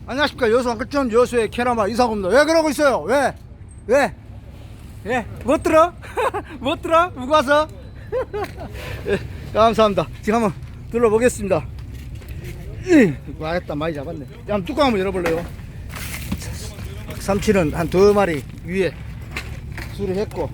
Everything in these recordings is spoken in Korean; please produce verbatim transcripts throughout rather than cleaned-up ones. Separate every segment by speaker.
Speaker 1: 안녕하십니까. 여수 한글점 여수의 캐나마 이상호입니다. 왜 그러고 있어요? 왜? 왜? 예? 못 들어? 못 들어? 누구 와서? 예, 감사합니다. 지금 한번 둘러보겠습니다. 와겠다. 많이 잡았네. 한번 뚜껑 한번 열어볼래요? 삼치는 한 두 마리 위에 수리했고,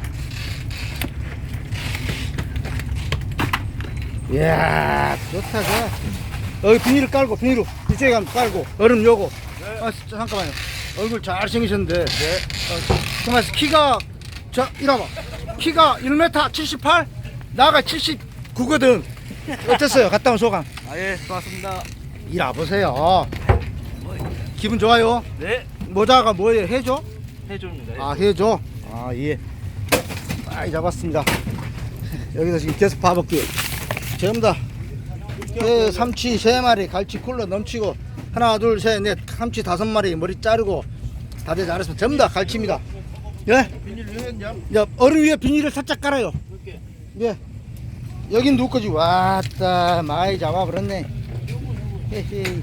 Speaker 1: 이야 좋다. 좋아. 여기 비닐을 깔고, 비닐로 이쪽에 가면 깔고, 얼음 요거. 네. 아 잠깐만요. 얼굴 잘생기셨는데. 네. 어, 정말 키가, 자 이봐봐, 키가 일 미터 칠십팔, 나가 칠십구거든. 어땠어요? 갔다 온 소감?
Speaker 2: 아예 좋았습니다.
Speaker 1: 일 와보세요. 기분 좋아요?
Speaker 2: 네.
Speaker 1: 모자가 뭐예요? 해줘?
Speaker 2: 해줍니다.
Speaker 1: 아 해줘? 아 예. 많이 잡았습니다. 여기서 지금 계속 봐볼게요. 전부 다 그 삼치 세 마리, 갈치 쿨러 넘치고, 하나 둘 셋 넷 삼치 다섯 마리 머리 자르고 다들 잘했습니다. 전부 다 갈치입니다. 예?
Speaker 2: 비닐 위에냐?
Speaker 1: 야, 얼음 위에 비닐을 살짝 깔아요. 예. 여긴 누구 거지? 왔다 많이 잡아버렸네. 헤헤.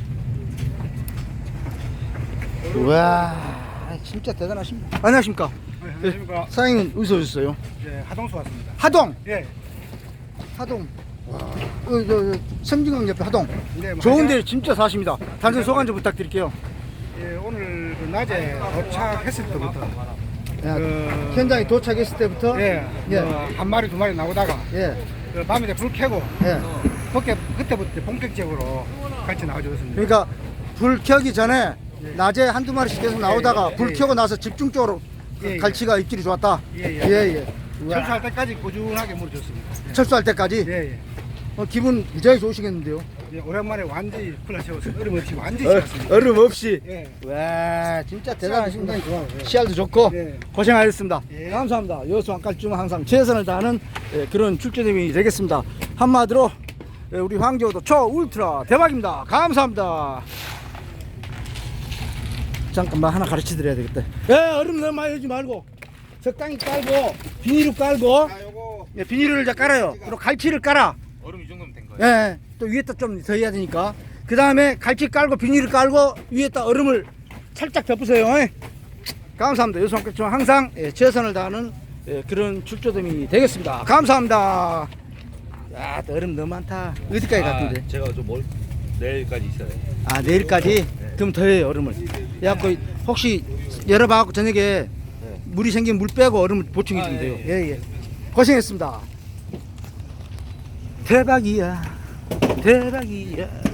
Speaker 1: 우와 진짜 대단하십니다. 안녕하십니까.
Speaker 3: 네, 안녕하십니까.
Speaker 1: 예, 사장님은 어디서 오셨어요?
Speaker 3: 네, 하동수 왔습니다.
Speaker 1: 하동.
Speaker 3: 예.
Speaker 1: 하동. 와, 어, 저, 저, 성진강 옆에 하동.
Speaker 3: 네, 뭐
Speaker 1: 좋은데 진짜 사십니다. 단순 소감 좀 부탁드릴게요.
Speaker 3: 예, 오늘 그 낮에 도착했을 때부터
Speaker 1: 야,
Speaker 3: 그-
Speaker 1: 현장에 도착했을 때부터
Speaker 3: 예,
Speaker 1: 예.
Speaker 3: 뭐 한 마리 두 마리 나오다가
Speaker 1: 예,
Speaker 3: 그 밤에 불 켜고
Speaker 1: 예.
Speaker 3: 그때 그때부터 본격적으로 같이 나와주었습니다.
Speaker 1: 그러니까 불 켜기 전에
Speaker 3: 예.
Speaker 1: 낮에 한두 마리씩 계속 나오다가
Speaker 3: 예, 예,
Speaker 1: 불
Speaker 3: 예,
Speaker 1: 켜고 나서 집중적으로
Speaker 3: 예, 예.
Speaker 1: 갈치가 입질이 좋았다.
Speaker 3: 예, 예.
Speaker 1: 예, 예. 우와.
Speaker 3: 철수할 때까지 꾸준하게 물어줬습니다. 예.
Speaker 1: 철수할 때까지.
Speaker 3: 예, 예.
Speaker 1: 어, 기분 무지하게 좋으시겠는데요?
Speaker 3: 예, 오랜만에 완전히 풀라 채워서 얼음 없이 완전히
Speaker 1: 어,
Speaker 3: 채웠습니다.
Speaker 1: 얼음 없이.
Speaker 3: 예.
Speaker 1: 와 진짜 대단하십니다.
Speaker 3: 상당히 좋아요. 예.
Speaker 1: 씨알도 좋고
Speaker 3: 네.
Speaker 1: 고생하셨습니다.
Speaker 3: 예.
Speaker 1: 감사합니다. 여수 안깔중 항상 최선을 다하는 예, 그런 출제님이 되겠습니다. 한마디로 예, 우리 황제호도 초 울트라 대박입니다. 감사합니다. 잠깐만 하나 가르쳐 드려야 되겠다. 예, 얼음 너무 많이 넣지 말고 적당히 깔고 비닐을 깔고,
Speaker 3: 아, 요거
Speaker 1: 예, 비닐을 이제 깔아요. 그리고 갈치를 깔아.
Speaker 2: 얼음 이 정도면 된 거예요.
Speaker 1: 예, 또 위에다 좀 더 해야 되니까. 그 다음에 갈치 깔고 비닐을 깔고 위에다 얼음을 살짝 덮으세요. 예. 감사합니다. 여수한글중 항상 예, 최선을 다하는 예, 그런 출조됨이 되겠습니다. 감사합니다. 야, 또 얼음 너무 많다. 어디까지 갔던데?
Speaker 2: 아, 제가 좀 멀, 내일까지 있어요.
Speaker 1: 아, 내일까지? 그럼 더 해요, 얼음을. 그래갖고 혹시 열어봐갖고 저녁에 물이 생기면 물 빼고 얼음을 보충해 주면
Speaker 2: 아,
Speaker 1: 돼요.
Speaker 2: 예,
Speaker 1: 예, 예. 고생했습니다. 대박이야. 대박이야.